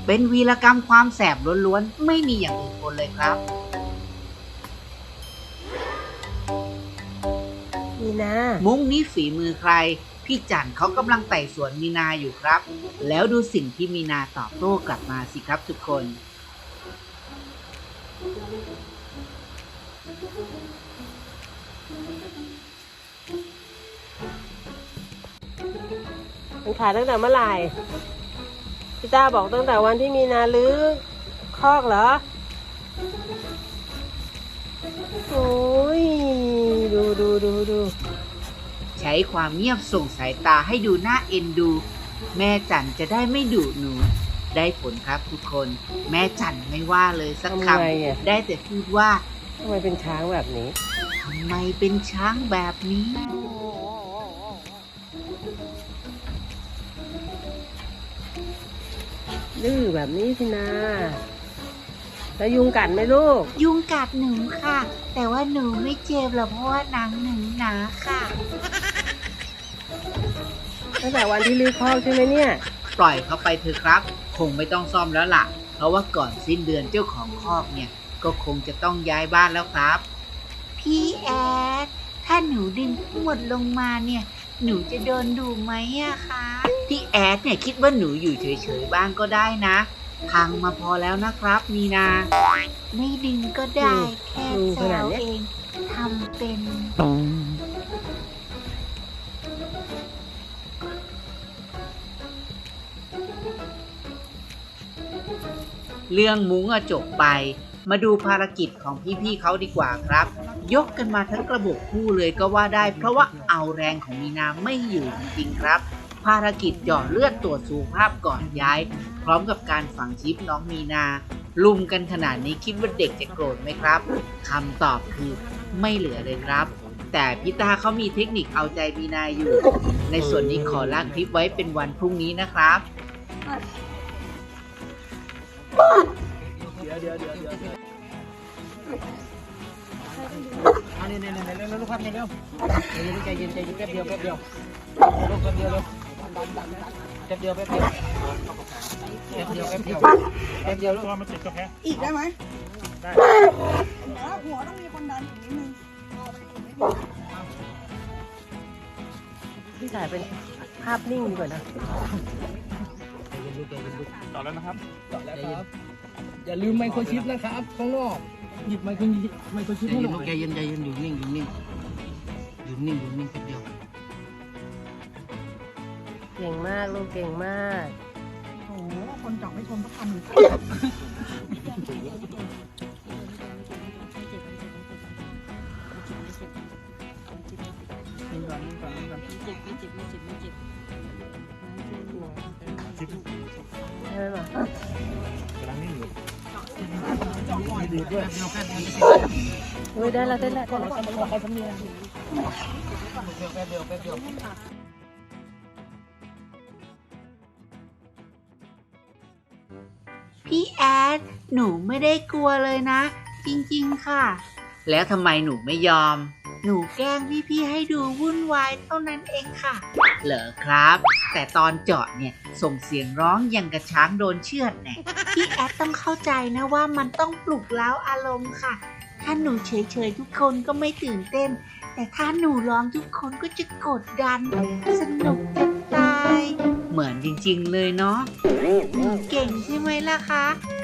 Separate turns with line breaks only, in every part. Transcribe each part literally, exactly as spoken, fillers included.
เป็นวีรกรรมความแสบล้วนๆไม่มีอย่างอื่นปนเลยครับ
มีนา
มุ้งนี้ฝีมือใครพี่จันเขากำลังไต่สวนมีนาอยู่ครับแล้วดูสิ่งที่มีนาตอบโต้กลับมาสิครับทุกคน
มันขายตั้งแต่เมื่อไหร่พี่ต้าบอกตั้งแต่วันที่มีนาลื้อคอกเหรอโอ้ยดูดูดูดู
ใช้ความเงียบส่งสายตาให้ดูน่าเอ็นดูแม่จันจะได้ไม่ดุหนูได้ผลครับทุกคนแม่จันไม่ว่าเลยสักคำได้แต่พูดว่า
ทำไมเป็นช้างแบบนี้
ทำไมเป็นช้างแบบนี้
ดื้อแบบนี้สินะแล้วยุงกัดไหมลูก
ยุงกัดหนูค่ะแต่ว่าหนูไม่เจ็บหรอกเพราะว่าหนังหนูหนาค่ะ
ตั้งแต่วันที่ลื้อคอกใช่ไหมเนี่ย
ปล่อยเขาไปเถอะครับคงไม่ต้องซ่อมแล้วล่ะเพราะว่าก่อนสิ้นเดือนเจ้าของคอกเนี่ยก็คงจะต้องย้ายบ้านแล้วครับพี่แอดถ้าหนูดึงทั้งหมดลงมาเนี่ยหนูจะโดนดุไหมอะคะพี่แอดเนี่ยคิดว่าหนูอยู่เฉยๆบ้างก็ได้นะพังมาพอแล้วนะครับมีนาไม่ดึงก็ได้แค่แซวเองทำเป็นเรื่องมุ้งจบไปมาดูภารกิจของพี่ๆเขาดีกว่าครับยกกันมาทั้งกระบอกคู่เลยก็ว่าได้เพราะว่าเอาแรงของมีนาไม่อยู่จริงๆครับภารกิจหยอดเลือดตรวจสุขภาพก่อนย้ายพร้อมกับการฝังชิปน้องมีนาลุมกันขนาดนี้คิดว่าเด็กจะโกรธไหมครับคำตอบคือไม่เหลือเลยครับแต่พี่ตาเขามีเทคนิคเอาใจมีนาอยู่ในส่วนนี้ขอลากคลิปไว้เป็นวันพรุ่งนี้นะครับเดี๋ยวเดี๋ยวเดี๋ยวเดี๋ยวอันนี้เนี่ยเนี่ยเร็วเร็วครับเนี่ยเร็วใจเย็นใจเย็นแป๊บเดียวแป๊บเดียวลูกแป๊บเดียวเร็วแป๊บเดียวแป๊บเดียวแป๊บเดียวแป๊บเดียวแป๊บเดียวลูกมันติดกาแฟอีกได้ไหมได้หัวต้องมีคนดันอีกนิดนึง
พี่ถ่ายเป็นภาพนิ่งดีกว่านะ
ต่อแล้วนะครับ
ต่อแล้วครับอย่าลืมไมโครชิปนะครับข้างนอกหยิบไมโครชิปไมโครชิปให้หน่อย
ใจเย็นใจเย็นอยู่นิ่งอยู่นิ่งอยู่นิ่งอยู่นิ่งแป๊บเดียว
เก่งมากลูกเก่งมาก
โอ้โหคนจับไม่ชนสักคำเลย
ใช่ไหมล่ะ
กำลังนิ่งอยู่
ดีด้วย
เฮ้ยได้แล้วได้แล้วได้แล้ว
ขอใครสำเนียง
แป๊บเดียวแป๊บเดียวพี่แอดหนูไม่ได้กลัวเลยนะจริงๆค่ะแล้วทำไมหนูไม่ยอมหนูแกล้งพี่ๆให้ดูวุ่นวายเท่านั้นเองค่ะเหรอครับแต่ตอนเจาะเนี่ยส่งเสียงร้องอย่างกระช้างโดนเชือดแน่พี่แอดต้องเข้าใจนะว่ามันต้องปลุกเร้าอารมณ์ค่ะถ้าหนูเฉยๆทุกคนก็ไม่ตื่นเต้นแต่ถ้าหนูร้องทุกคนก็จะกดดันสนุกจะตายเหมือนจริงๆเลยเนาะหนูเก่งใช่ไหมล่ะคะ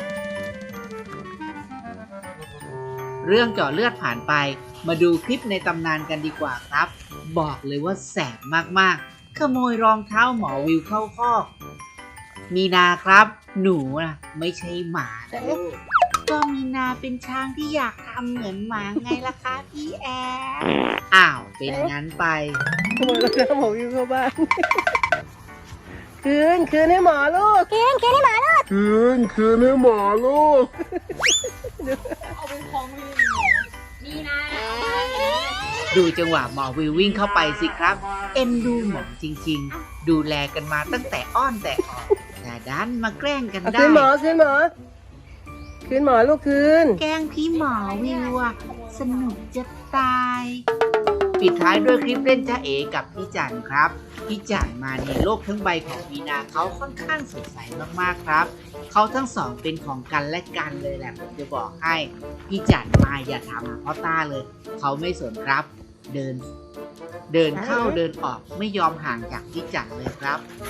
เรื่องเจาะเลือดผ่านไปมาดูคลิปในตำนานกันดีกว่าครับบอกเลยว่าแสบมากๆขโมยรองเท้าหมอวิวเข้าคอกมีนาครับหนูนะไม่ใช่หมาแต่ก็มีนาเป็นช้างที่อยากทำเหมือนหมาไงล่ะคะพี่แอดอ้าวเป็นงั้นไป
ขโมยรองเท้าหมอวิวเข้าบ้านคืนคืนให้หมอลูก
คืนคืนให้หมอลูก
คืนคืนให้หมอลูก
เอาเป็นของวิวนี่นะ
ดูจังหวะหมอวิววิ่งเข้าไปสิครับเอ็นดูหมอจริงๆดูแลกันมาตั้งแต่อ้อนแต่ออกแต่ดันมาแกล้งกันได้
คืนหมอคืนหมอคืนหมอลูกคืน
แกล้งพี่หมอวิวอะสนุกจะตายปิดท้ายด้วยคลิปเล่นจ้าเอกับพี่จันครับพี่จันมาในโลกทั้งใบของมีนาเขาค่อนข้างสดใสมากๆครับเขาทั้งสองเป็นของกันและกันเลยแหละผมจะบอกให้พี่จันมาอย่าถามหาพ่อต้าเลยเขาไม่สนครับเดิน เดินเข้าเดินออกไม่ยอมห่างจากพี่จันเลยครับ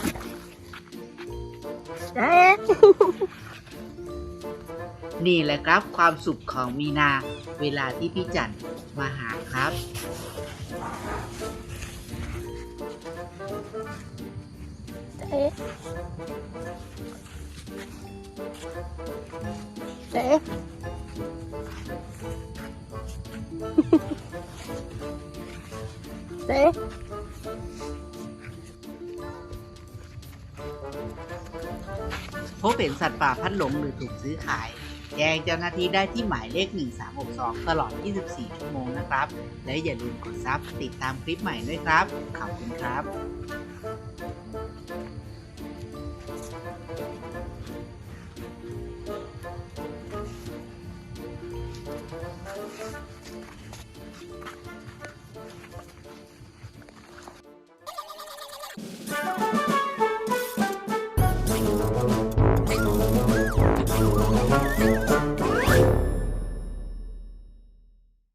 นี่แหละครับความสุขของมีนาเวลาที่พี่จันมาหาครับ
เอ๊ะเอ๊ะเอ๊ะ
พบเห็นสัตว์ป่าพัดหลงหรือถูกซื้อขายแจ้งเจ้าหน้าที่ได้ที่หมายเลขหนึ่งสามหกสองตลอดยี่สิบสี่ชั่วโมงนะครับ และอย่าลืมกดซับติดตามคลิปใหม่ด้วยครับ ขอบคุณครับ